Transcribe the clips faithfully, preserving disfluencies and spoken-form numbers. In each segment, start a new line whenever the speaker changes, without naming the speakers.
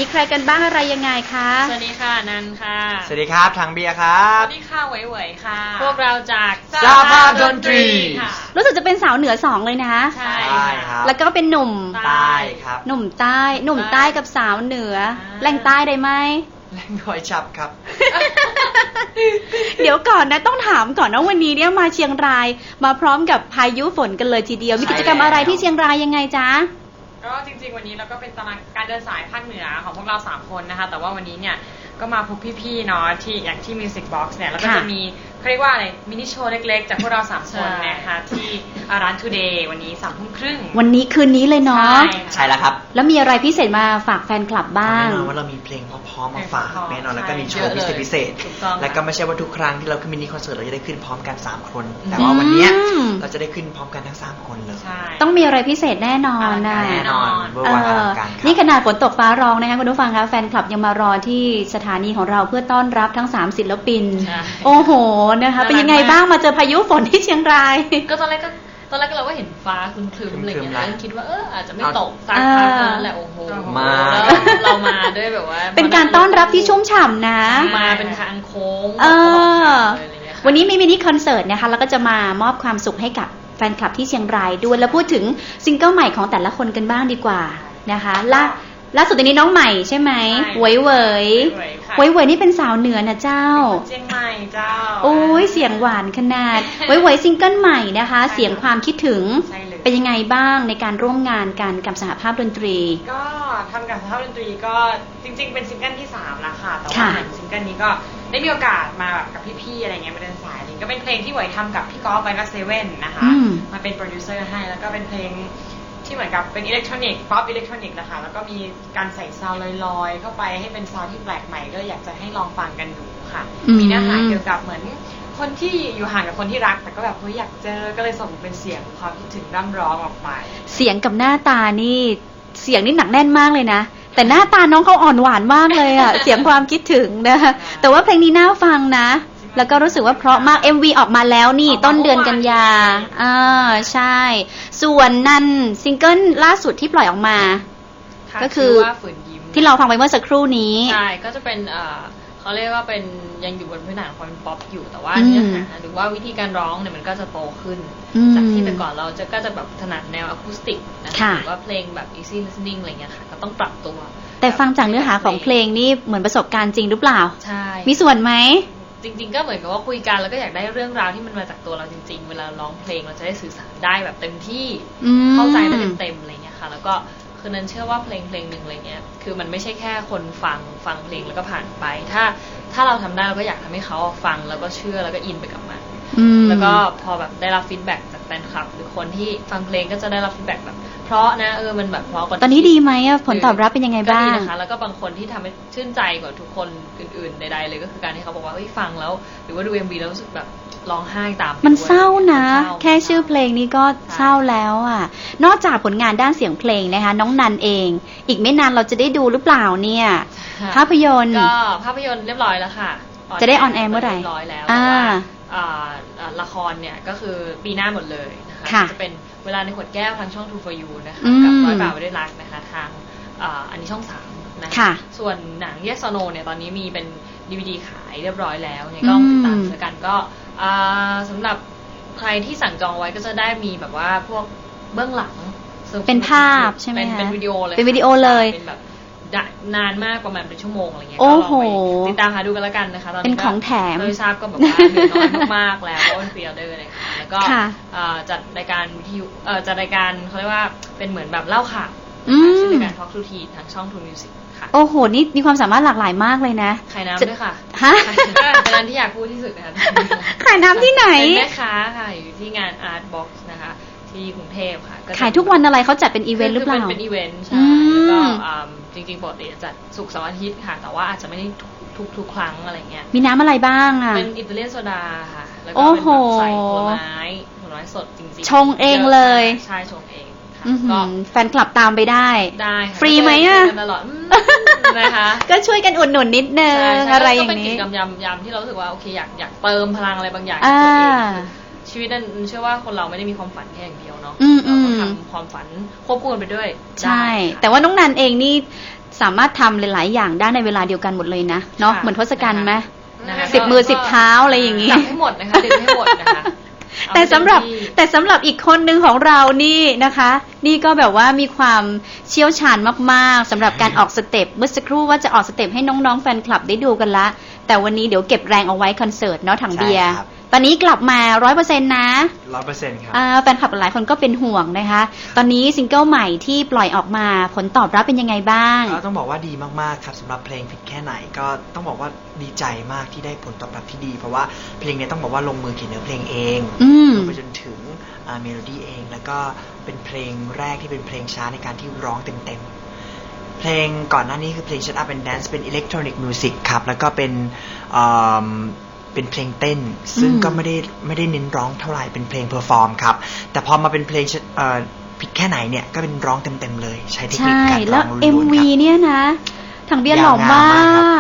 ใครกันบ้างอะไรยังไงคะ
สวัสดีค่ะนันค่ะ
สวัสดีครับทางเบียร์ครับ
สวัสดีค่ะไหวไหวค่ะพวกเราจาก
สหภาพดนตรี
รู้สึกจะเป็นสาวเหนือสองเลยนะ
ใช่
ครับ
แล้วก็เป็นหนุ่ม
ใต้ครับ
หนุ่มใต้หนุ่มใต้กับสาวเหนือแรงใต้ได้ไหม
แรงคอยฉับครับ
เดี๋ยวก่อนนะต้องถามก่อนนะวันนี้เนี่ยมาเชียงรายมาพร้อมกับพายุฝนกันเลยทีเดียวมีกิจกรรมอะไรที่เชียงรายยังไงจ๊ะ
ก็จริงๆวันนี้เราก็เป็นตารางการเดินสายภาคเหนือของพวกเราสามคนนะคะแต่ว่าวันนี้เนี่ยก็มาพบพี่ๆเนาะที่อย่างที่ Music Box เนี่ยแล้วก็จะมีเขาเรียกว่าอะไรมินิโชว์เล็กๆจากพวกเราสามคนนะคะที่ร้าน Today วันนี้สามทุ่มครึ่ง
วันนี้คืนนี้เลยเนาะ
ใช่แล้วครับ
แล้วมีอะไรพิเศษมาฝากแฟนคลับบ้าง
แน่นอนว่าเรามีเพลงเพราะๆมาฝากแน่นอนแล้วก็มีโชว์พิเศษพิเศษแล้วก็ไม่ใช่ว่าทุกครั้งที่เราขึ้นมินิคอนเสิร์ตเราจะได้ขึ้นพร้อมกันสามคนแต่ว่าวันนี้เราจะได้ขึ้นพร้อมกันทั้งสามคนเลย
ต้องมีอะไรพิเศษแน่นอนนะ
แน่นอนเบอร์วันอลังการ
นี่ขนาดฝนตกฟ้าร้องนะคะคุณผู้ฟังคะแฟนคลับยังมารอที่สถานีของเราเพื่อต้อนรับทั้งสามศิลปินโอ้โหนะคะเป็นยังไงบ้างมาเจอพายุฝนที่เชียงราย
ก็ตอนแรกก็ตอนแรกเราก็เห็นฟ้าครึ้มๆอะไรอย่างเงี้ยคิดว่าเอออาจจะไม่ตกสักพักนั่นแหละโอ้โห
มา
เรามาด้วยแบบว่า
เป็นการต้อนรับที่ชุ่มฉ่ำนะ
มาเป็นทางโค้ง
วันนี้มีมินิคอนเสิร์ตนะคะแล้วก็จะมามอบความสุขให้กับแฟนคลับที่เชียงรายด้วยแล้วพูดถึงซิงเกิลใหม่ของแต่ละคนกันบ้างดีกว่านะคะล่าล่าสุดตอนนี้น้องใหม่ใช่ไหมเหวยเหวยเหวยเหวยนี่เป็นสาวเหนือนะเจ้า
เชียงใหม่เจ้า
โอ้ยเสียงหวานขนาดเหวยเหวยซิงเกิลใหม่นะคะเสียงความคิดถึงเป็นยังไงบ้างในการร่วมงานกันกับสหภาพดนตรี
ก็ทำกับสหภาพดนตรีก็จริงๆเป็นซิงเกิลที่สามแล้วค่ะแต่ว่าเหมือนซิงเกิลนี้ก็ได้มีโอกาสมาแบบกับพี่ๆอะไรเงี้ยมาเดินสายนี่ก็เป็นเพลงที่เหวยทำกับพี่ก๊อฟไบกัสเซเว่นนะคะมาเป็นโปรดิวเซอร์ให้แล้วก็เป็นเพลงที่เหมือนกับเป็นอิเล็กทรอนิกส์ป๊อปอิเล็กทรอนิกส์นะคะแล้วก็มีการใส่ซาวด์ลอยๆเข้าไปให้เป็นซาวด์ที่แปลกใหม่ก็อยากจะให้ลองฟังกันดูค่ะมีเนื้อหาเกี่ยวกับเหมือนคนที่อยู่ห่างกับคนที่รักแต่ก็แบบเฮ้ยอยากเจอก็เลยส่งเป็นเสียงความคิดถึงร่ำร้องออกไป
เสียงกับหน้าตานี่เสียงนี่หนักแน่นมากเลยนะแต่หน้าตาน้องเขาอ่อนหวานมากเลยอ่ะ เสียงความคิดถึงนะคะแต่ว่าเพลงนี้น่าฟังนะแล้วก็รู้สึกว่าเพราะมาก เอ็ม วี ออกมาแล้วนี่ต้นเดือนกันยาอ่าใช่ส่วนนั่นซิงเกิลล่าสุดที่ปล่อยออกมาก็คือที่เราฟังไปเมื่อสักครู่นี้
ใช่ก็จะเป็นเอ่อเขาเรียกว่าเป็นยังอยู่บนพื้นฐานความเป็นป๊อปอยู่แต่ว่าเนื้อหาหรือว่าวิธีการร้องเนี่ยมันก็จะโตขึ้นจากที่แต่ก่อนเราจะก็จะแบบถนัดแนวอะคูสติกนะคะหรือว่าเพลงแบบ easy listening อะไรเงี้ยค่ะก็ต้องปรับตัว
แต่ฟังจากเนื้อหาของเพลงนี่เหมือนประสบการณ์จริงหรือเปล่า
ใช่
มีส่วนไหม
จริงๆก็เหมือนกับว่าคุยกันแล้วก็อยากได้เรื่องราวที่มันมาจากตัวเราจริงๆเวลาร้องเพลงเราจะได้สื่อสารได้แบบเต็มที่เข้าใจได้เต็มๆอะไรเงี้ยค่ะแล้วก็คือนั้นเชื่อว่าเพลงเพลงหนึ่งอะไรเงี้ยคือมันไม่ใช่แค่คนฟังฟังเพลงแล้วก็ผ่านไปถ้าถ้าเราทำได้เราก็อยากทำให้เขาฟังแล้วก็เชื่อแล้วก็อินไปกับมันแล้วก็พอแบบได้รับฟีดแบ็กจากแฟนคลับหรือคนที่ฟังเพลงก็จะได้รับฟีดแบ็กแบบเพราะนะเออมันแบบเพราะกว่า
ตอนนี้ดีไหมอะผลตอบรับเป็นยังไงบ้าง
ก็ดีนะคะแล้วก็บางคนที่ทำให้ชื่นใจกว่าทุกคนอื่นๆใดๆเลยก็คือการที่เขาบอกว่าเฮ้ยฟังแล้วหรือว่าดู เอ็ม วี แล้วรู้สึกแบบร้องไห้ตาม
มันเศร้านะแค่ชื่อเพลงนี้ก็เศร้าแล้วอ่ะนอกจากผลงานด้านเสียงเพลงนะคะน้องนันเองอีกไม่นานเราจะได้ดูหรือเปล่าเนี่ยภาพยนตร์
ก็ภาพยนตร์เรียบร้อยแล้วค่ะ
จะได้ออนแอร์เมื่อไหร่
เรียบร้อยแล้วแต่ว่าละครเนี่ยก็คือปีหน้าหมดเลยนะคะจะเป็นเวลาในขวดแก้วทางช่อง True for You นะคะกับร้อยบาทไม่ได้รักนะคะทางอันนี้ช่องสามนะคะส่วนหนัง Yes or No เนี่ยตอนนี้มีเป็น ดี วี ดี ขายเรียบร้อยแล้วเนี่ยก็ติดตามแล้วกันก็สำหรับใครที่สั่งจองไว้ก็จะได้มีแบบว่าพวกเบื้องหลัง
เป็นภาพใช่ไหมคะ
เป็นวิดีโอเลย
เป็นวิดีโอเลย
เป็นแบบนานมากประมาณเป็นชั่วโมงอะไรเงี้ยก็ลองไปติดตามหาดูกันแล้วกันนะคะตอนนี้
เป็นของแถม
โดยทราบก็แบบว่าเหลือน้อยมากๆแล้วเพราะเป็นพรีออเดอร์เลยค่ะแล้วก็จัดรายการวิทยุจัดรายการเขาเรียกว่าเป็นเหมือนแบบเล่าข่าวชื่อรายการ Talk to Teen ทางช่อง True Music ค่ะ
โอ้โหนี่มีความสามารถหลากหลายมากเลยนะ
ขายน้ำด้วยค่ะฮะเป็นร้านที่อยากพูดที่สุดนะคะ
ขายน้ำที่ไหน
เป็นแม่ค้าค่ะอยู่ที่งาน Art Box นะคะที่กรุงเทพค่ะ
ขายทุกวันอะไรเขาจัดเป็นอีเวนต์หรือเปล่า
เป็นอีเวนต์ใช่แล้วก็จริงๆปกติจัดศุกร์เสาร์อาทิตย์ค่ะแต่ว่าอาจจะไม่ได้ทุกทุกครั้งอะไรเงี้ย
มีน้ำอะไรบ้างอ่ะ
เป็นอิตาเลียนโซดาค่ะแล้วก็เป็นแบบใส่ผลไม้ผลไม้สดจริง
ๆชงเองเลย
ใช่ชงเอง
ก็แฟนคลับตามไปได้
ได้
ฟรีไหมอ่ะ
ตลอดนะคะ
ก็ช่วยกันอุดหนุนนิดนึงอะไรอย่างนี้
ก็เป็นกิจกรรมยามๆที่เรารู้สึกว่าโอเคอยากอยากเติมพลังอะไรบางอย่างตัวเอง
ชีวิตนั้นเชื่อว่าคนเราไม่ได้มีความฝันแค่อย่างเดียวเนาะ
อืม
เราก็
อืม
ทำความฝันควบคู่กันไปด้วย
ใช่
ได้ค่ะ
แต่ว่าน้องนันเองนี่สามารถทำหลายๆอย่างได้ในเวลาเดียวกันหมดเลยนะเนาะ
ค่ะ
เหมือนทศกัณฐ์ไหม
นะคะ
สิบมือสิบเท้าอะไรอย่างงี้
จับให้หมดนะคะดึงให้หมดนะคะเอา
แต่สำหรับ
เต็มที่
แต่สำหรับอีกคนหนึ่งของเรานี่นะคะ นี่ก็แบบว่ามีความเชี่ยวชาญมากๆสำหรับการออกสเต็ปเมื่อสักครู่ว่าจะออกสเต็ปให้น้องๆแฟนคลับได้ดูกันละ แต่วันนี้เดี๋ยวเก็บแรงเอาไว้คอนเสิร์ตเนาะถังเบียร์
ใช่ครับ
ตอนนี้กลับมาร้อยเปอร์เซ็นต์นะ
ร้อยเปอร์เซ็นต์ครับ
อ่าแฟนคลับหลายคนก็เป็นห่วงนะคะ ตอนนี้ซิงเกิลใหม่ที่ปล่อยออกมาผลตอบรับเป็นยังไงบ้าง
ก็ต้องบอกว่าดีมากๆครับสำหรับเพลงผิดแค่ไหนก็ต้องบอกว่าดีใจมากที่ได้ผลตอบรับที่ดี เพราะว่าเพลงนี้ต้องบอกว่าลงมือเขียนเนื้อเพลงเอง
อืม
รวมไปจนถึงเมโลดี้เอง แล้วก็เป็นเพลงแรกที่เป็นเพลงช้าในการที่ร้องเต็มๆเพลงก่อนหน้านี้คือเพลง Shut Up and Dance เป็นอิเล็กทรอนิกส์มิวสิกครับแล้วก็เป็นเอ่อเป็นเพลงเต้น ซึ่ง
อืม
ก็ไม่ได้ไม่ได้เน้นร้องเท่าไหร่เป็นเพลงเพอร์ฟอร์มครับแต่พอมาเป็นเพลงเอ่อผิดแค่ไหนเนี่ยก็เป็นร้องเต็มๆเลยใช้เทคนิค
ใช่
การร้
แล้
อ
ว
งล้วนๆ
เอ็ม
ค
วี
รับ
เนี่ยนะถังเบียร์หล่อมาก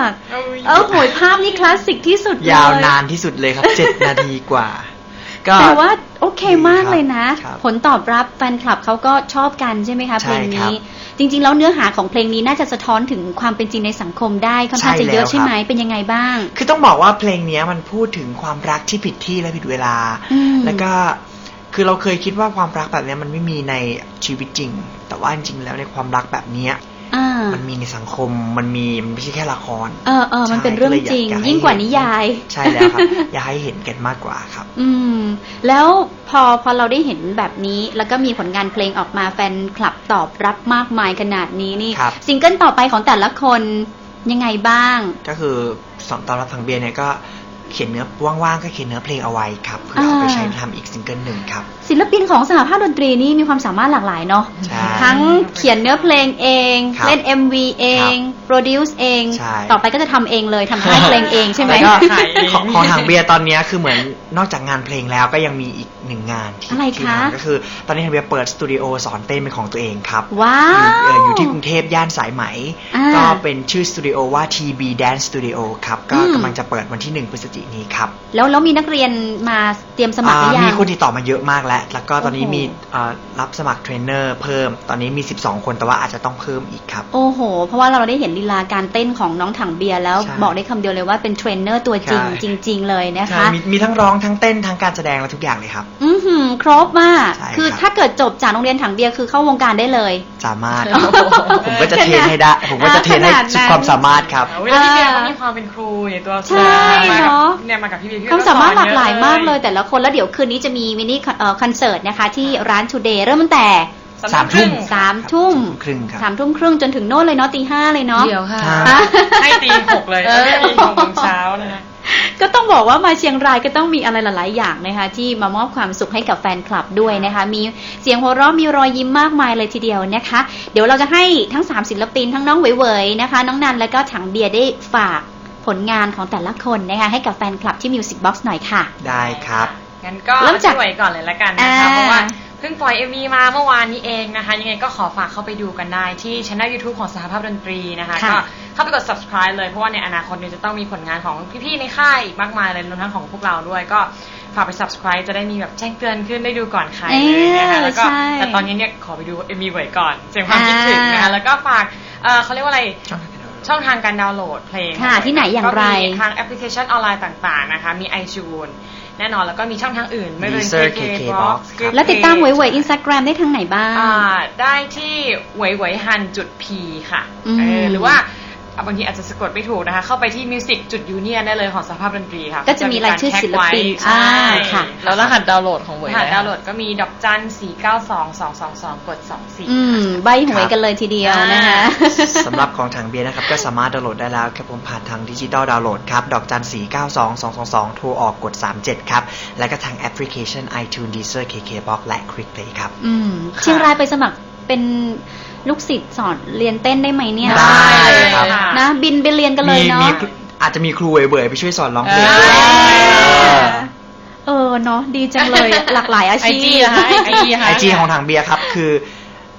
เออโหยภาพนี่คลาสสิกที่สุดเลย
ยาวนานที่สุดเลยครับ เจ็ด นาทีกว่า ก็
แต่ว่าโอเคมาก
ดีครับ
เลยนะ
ครับ
ผลตอบรับแฟนคลับเขาก็ชอบกันใช่ไหมคะ
ใช่
เพลง
ครั
นี้
บ
จริงๆแล้วเนื้อหาของเพลงนี้น่าจะสะท้อนถึงความเป็นจริงในสังคมได้ค่อนข้าง
ใช่
จะเยอะ
แล้ว
ใช่ไหม
ครับ
เป็นยังไงบ้าง
คือต้องบอกว่าเพลงเนี้ยมันพูดถึงความรักที่ผิดที่และผิดเวลา
อืม
แล้วก็คือเราเคยคิดว่าความรักแบบเนี้ยมันไม่มีในชีวิตจริง แต่ว่าจริงๆแล้วในความรักแบบเนี้ย
อ่า
มันมีในสังคมมันมีมันไม่ใช่แค่ละคร
เออเออมันเป็น
ใช่
เรื่อง
ก็ลย
จริง
อให้
ยิ่งกว่านิยาย
ใช่แล้วครับ อยากให้เห็นกันมากกว่าครับ
อืม แล้วพอพอเราได้เห็นแบบนี้ แล้วก็มีผลงานเพลงออกมาแฟนคลับตอบรับมากมายขนาดนี้นี่
ครับ
ซิงเกิลต่อไปของแต่ละคนยังไงบ้าง
ก็คือสอนตอนรับทางเบียร์เนี่ยก็เขียนเนื้อว่างๆก็เขียนเนื้อเพลงเอาไว้ครับเพื่อเอาไป
อ่า
ใช้ทำอีกซิงเกิลหนึ่งครับ
ศิลปินของสหภาพดนตรีนี่มีความสามารถหลากหลายเนาะ
ใช่
ทั้งเขียนเนื้อเพลงเอง
ครับ
เล่น เอ็ม วี เอง โปรดิวซ์เอง
ใช่
ต่อไปก็จะทำเองเลยทำค่ายเพลงเองใช่ไหม
แล้วก็
ขายเอง
ของของทางเบียร์ตอนเนี้ยคือเหมือนนอกจากงานเพลงแล้วก็ยังมีอีกหนึ่งงานที่
อะไร
ที่
คะ
ทำก็คือตอนนี้ทางเบียร์เปิดสตูดิโอสอนเต้นเป็นของตัวเองครับ
ว้า
อยู่เอ่
ว
ออยู่ที่กรุงเทพย่านสายไหม
อ่า
ก็เป็นชื่อสตูดิโอว่า ที บี Dance Studio ครับก็
อืม
กำลังจะเปิดวันที่หนึ่งพฤศจิกายนนี้ครับ
แล้วแล้วมีนักเรียนมาเตรียมสมัครหรือยั
อ่าง มีคนติดต่อมาเยอะมากแล้ว แล้วก็ตอนนี้
โอ้โห
มีเอ่อรับสมัครเทรนเนอร์เพิ่ม ตอนนี้มีสิบสองคนแต่ว่าอาจจะต้องเพิ่มอีกครับ
โอ้โห เพราะว่าเราได้เห็นลีลาการเต้นของน้องถังเบียร์แล้ว
ใช่
บอกได้คำเดียวเลยว่าเป็นเทรนเนอร์ตัวจริง
ใช่
จริง ๆ เลยนะ
ใช่
คะ
มีมีทั้งร้องทั้งเต้นทั้งการแสดงและทุกอย่างเลยครับ
อือหือครบมาก
ใช่
คือ
ครับ
ถ้าเกิดจบจากโรงเรียนถังเบียร์คือเข้าวงการได้เลย
สามารถ
โอ้โห
ผมก็จะเทรนให้ได้ ผมก็จะเทรนให้
ขนาดนั้น
สุดความสามารถครับ
เวลาพี่เบียร์เขามีความเป็นครูในตัว
ใช่
มากับ
เนอะ
เนี่ยมากับพี่เบียร์พี่
ความสามารถหลากหลายมากเลย
แต่
แต่ละคนแล้วเดี๋ยวคืนนี้จะมีมินิคอนเอ่อคอนเสิร์ตนะคะ ที่ร้าน Today เริ่มตั้งแต่
สามทุ่ม
สามทุ่ม
ครึ่งครับ
สามทุ่มครึ่งจนถึงโน่นเลยเนาะตีห้าเลยเนาะ
เดี๋ยวค่ะ
ครับ
อ่ะ
ให้ตีหกเลย
เออ
ไม่ตีหกโมงเช้านะคะ
ก็ต้องบอกว่ามาเชียงรายก็ต้องมีอะไรหลาย ๆ อย่างนะคะ ที่มามอบความสุขให้กับแฟนคลับด้วยนะคะ มีเสียงหัวเราะมีรอยยิ้มมากมายเลยทีเดียวนะคะ เดี๋ยวเราจะให้ทั้งสามศิลปินทั้งน้องเหวยๆนะคะ น้องนันและก็ถังเบียร์ได้ฝากผลงานของแต่ละคนนะคะให้กับแฟนคลับที่ Music Box หน่อยค่ะ
ได้ครับ
งั้นก็
เริ่มจาก
ช่วยก่อนเลยละกันนะคะ
อ่า
เพราะว่าเพิ่งปล่อย เอ็ม วี มาเมื่อวานนี้เองนะคะ ยังไงก็ขอฝากเข้าไปดูกันได้ที่ช่อง YouTube ของสหภาพดนตรีนะคะ
ค่ะ
ก็เข้าไปกด subscribe เลยเพราะว่าในอนาคตเนี่ยจะต้องมีผลงานของพี่ๆในค่ายอีกมากมายเลยรวมทั้งของพวกเราด้วยก็ฝากไป subscribe จะได้มีแบบแจ้งเตือนขึ้นได้ดูก่อนใครเลยนะคะแล้วก็
ใช่
แต่ตอนนี้เนี่ยขอไปดู เอ็ม วี ไว้ก่อนเสียงความคิดถึงนะคะ
อ่า
แล้วก็ฝากเอ่อเขาเรียกว่าอะไร ช่องทางการดาวน์โหลดเพลง
ค่ะที่ไหนอย่างไร
ก็มีทางแอปพลิเคชันออนไลน์ต่างๆนะคะ มี iTunes แน่นอนแล้วก็มีช่องทางอื่น ไม่ว่า
Deezer
เค
เค
เค
เค
บ็อก
Box
ซ์
ครับ
แล้วติดตามเหวยๆ Instagram ได้ทางไหนบ้าง
อ่าได้ที่เหวยเหวยฮันจุดพีค่ะ
อืม
เออหรือว่าอ่ะบางทีอาจจะสะกดไม่ถูกนะคะ เข้าไปที่ Music จุด Union ได้เลยของสหภาพดนตรีค่ะ
ก็จะมีรายชื่อศิลปิน
ใช่
อ่าค่ะ
แล้วรหัสดาวน์โหลดของเวย
รหัส
นะ
ดาวน์โหลดก็มีดอกจันสี่เก้าสองสองสองสองกดสองสี่
อืมใบหวยกันเลยทีเดียวนะคะ
สำหรับของทางเบียร์นะครับก็สามารถดาวน์โหลดได้แล้วครับผมผ่านทางดิจิตอลดาวน์โหลดครับ ดอกจันสี่เก้าสองสองสองสองโทรออกกดสามเจ็ดครับ และก็ทางแอปพลิเคชัน iTunes Deezer เค เค บ็อกซ์ และ Quick Play ครับ
อืมเชียงรายไปสมัครเป็นลูกศิษย์สอนเรียนเต้นได้ไหมเนี่ย
ได้เลยครับ
นะ บินไปเรียนกันเลย
มี
เนาะ
มีอาจจะมีครูเว่ยๆไปช่วยสอนร้องเพลง
เออ
ด้วย
เออเนาะดีจังเลยหลากหลายอา
ไอ
ชี
จี
พ
นะคะไอจี
ไอจีของทางเบียร์ครับคือ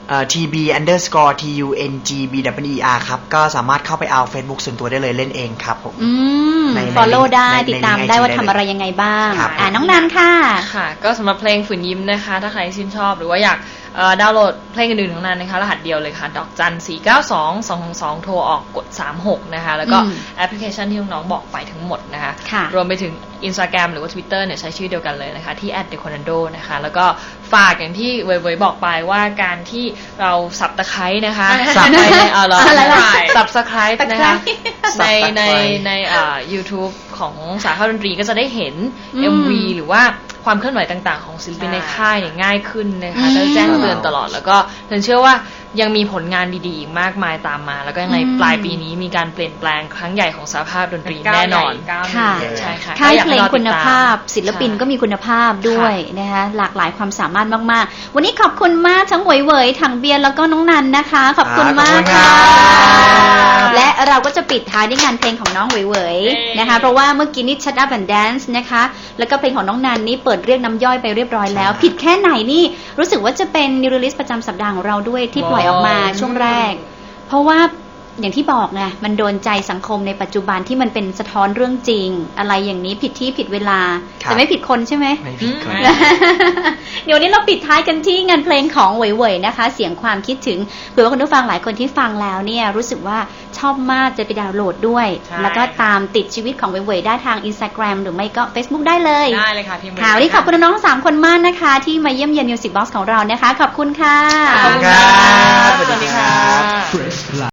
เอ่อ ที บี underscore ที ยู เอ็น จี บี ดับเบิลยู อี อาร์ ครับก็สามารถเข้าไปเอา Facebook ส่วนตัวได้เลยเล่นเองครับผม
อืม
ในใน
follow ได้
ใน
ติดตาม
ใน
ได้ว่า
ใน
ทำอะไรยังไงบ้าง
ครับ
อ่าน้องนันค่ะ
ค่ะ ก็สำหรับเพลงฝืนยิ้มนะคะ ถ้าใครชื่นชอบหรือว่าอยากเอ่อดาวน์โหลดเพลงอื่นๆของนั้นนะคะรหัสเดียวเลยค่ะ ดอกจันสี่เก้าสองสองสองโทรออกกดสามหกนะคะแล้วก็
อืม
แอปพลิเคชันที่น้องๆบอกไปทั้งหมดนะคะ
ค่ะ
รวมไปถึง Instagram หรือว่า Twitter เนี่ยใช้ชื่อเดียวกันเลยนะคะที่ แอท เดอะ คอน แอน โด นะคะแล้วก็ฝากอย่างที่เว่ยๆบอกไปว่าการที่เราสับตะไคร้นะคะ
สับ
ไปในเออเรา
อะไรวะ
สับสไครต์นะคะ
ตะไคร้
ในใน
Subscribe
ในอ่า YouTube ของสาขาดนตรีก็จะได้เห็น
อืม
เอ็ม วี หรือว่าความเคลื่อนไหวต่างๆ ของศิลปินในค่ายเนี่ยง่ายขึ้นนะคะ
อืม
ก็แจ้งเตือนตลอดแล้วก็เฉันเชื่อว่ายังมีผลงานดีๆอีกมากมายตามมา แล้วก็ยังไง
อืม
ปลายปีนี้มีการเปลี่ยนแปลงครั้งใหญ่ของสาภาพดนตรีแน่นอน
ก้าวใหญ่
ค่ะ
ก้าวหนึ่ง
ใช่ค่ะ
ค่าย
ก็อ
เพลง
ให้รอ
คุ
ติด
ณ
ตม
ภาพ ศิลปิน
ใช่
ก็มีคุณภาพด้วยนะคะหลากหลายความสามารถมากๆ วันนี้ขอบคุณมากทั้งเหวยเหวยถังเบียร์แล้วก็น้องนันนะคะ ขอบคุณมากค่ะ
ขอบคุณครับ
และเราก็จะปิดท้ายด้วยงานเพลงของน้องเหวยเหวยนะคะ เพราะว่าเมื่อกี้นี่ Shut Up and Dance นะคะแล้วก็เพลงของน้องนันนี่เปิดเรียกน้ำย่อยไปเรียบร้อยแล้ว ผิดแค่ไหนนี่รู้สึกว่าจะเป็น New Release ประจำสัปดาห์ของเราด้วยที่ปล่อยออกมาช่วงแรก เพราะว่าอย่างที่บอกไงมันโดนใจสังคมในปัจจุบันที่มันเป็นสะท้อนเรื่องจริง อะไรอย่างนี้ผิดที่ผิดเวลา
ครับ
แต่ไม่ผิดคนใช่ไหม
ไม่ผิดคน
อืม
เดี๋ยววันนี้เราปิดท้ายกันที่งานเพลงของเหวยๆนะคะ เสียงความคิดถึงเผื่อว่าคุณผู้ฟังหลายคนที่ฟังแล้วเนี่ยรู้สึกว่าชอบมากจะไปดาวน์โหลดด้วย
ใช่
แล้วก็ตามติดชีวิตของเหวยๆได้ทาง Instagram หรือไม่ก็ Facebook ได้เลย
ได้เลยค่ะพิมพ์
ค่ะวันนี้ขอบคุณน้องๆทั้งสามคนมากนะคะ ที่มาเยี่ยมเยียน Music Box ของเรานะคะ ขอบคุณค่ะ
ขอบคุณครับ
สวัสดีค่ะ